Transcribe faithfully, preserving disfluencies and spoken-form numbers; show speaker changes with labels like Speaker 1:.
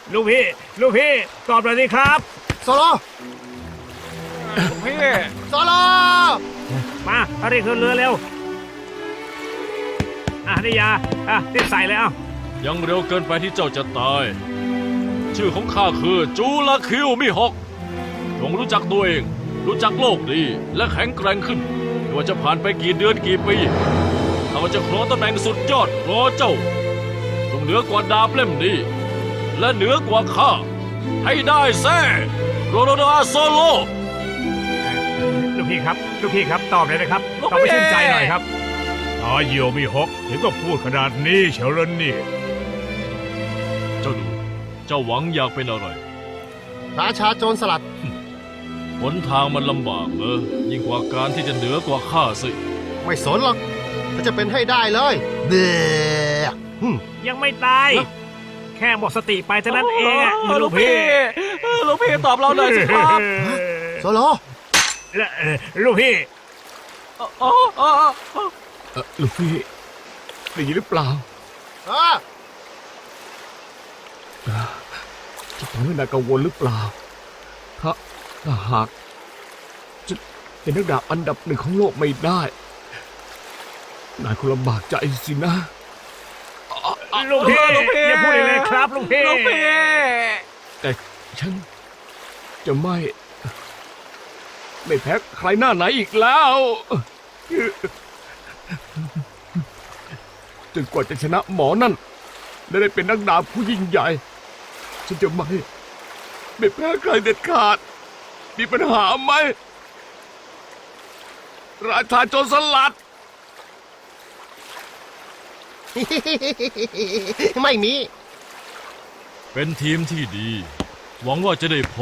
Speaker 1: ลูกพี่ลูกพี่ตอบหน่อยสิครับ
Speaker 2: โซโล
Speaker 3: ลูกพี่
Speaker 2: โซโล
Speaker 1: มาเอารีบขึ้นเรือเร็วอ่ะนี่ยาอ่ะรีบใส่เลยเอ้า
Speaker 4: ยังเร็วเกินไปที่เจ้าจะตาย ชื่อของข้าคือจูลาคิวมิฮอกจงรู้จักตัวเอง รู้จักโลกดีและแข็งแกร่งขึ้นไม่ว่าจะผ่านไปกี่เดือนกี่ปีข้าจะครองตำแหน่งสุดยอดรอเจ้าจงเหนือกว่าดาบเล่มนี้และเหนือกว่าข้าให้ได้แซ่โรโรดาโซโล
Speaker 1: ลูกพี่ครับลูกพี่ครับตอบเลยนะครับตอบให้ชื่นใจหน่อยครับ
Speaker 5: อาเยียวมีฮอกถึงก็พูดขนาดนี้เฉลยนี่
Speaker 4: เจ้าดูเจ้าหวังอยากเป็นอะไร
Speaker 2: ราชาโจรสลัด
Speaker 4: หนทางมันลำบากเนอะยิ่งกว่าการที่จะเหนือกว่าข้าสิ
Speaker 2: ไม่สนหรอกถ้าจะเป็นให้ได้เลยเบ้อหึ่ม
Speaker 1: ยังไม่ตาย แค่หมดสติไปเท่านั้นเองอะ
Speaker 3: ลู
Speaker 1: ลู
Speaker 3: ก
Speaker 1: ก
Speaker 3: พี่
Speaker 1: พี่
Speaker 3: ลูกพี่ตอบเราหน่อยสิครับ
Speaker 2: โซโล
Speaker 1: และเอ่อลูกพี่
Speaker 3: อ๋ออ๋ออ๋อ
Speaker 5: เออลูกพี่ได้ยินหรือเปล่า
Speaker 2: เออ
Speaker 5: จะทำให้นายกังวลหรือเปล่า ถ้าถ้าหากจะเป็นนักดาบอันดับหนึ่งของโลกไม่ได้นายคงลำบากใจสินะ
Speaker 1: ลูกพี่อย่าพูดเลยครับลูกพี่
Speaker 3: ลูกพี่
Speaker 5: แต่ฉันจะไม่ ไม่แพ้ใครหน้าไหนอีกแล้วจนกว่าจะชนะหมอนั่นและได้เป็นนักดาบผู้ยิ่งใหญ่ ฉันจะไม่ ไม่แพ้ใครเด็ดขาด มีปัญหาไหม ราชาโจรสลัด
Speaker 2: ไม่มี
Speaker 4: เป็นทีมที่ดี หวังว่าจะได้พบ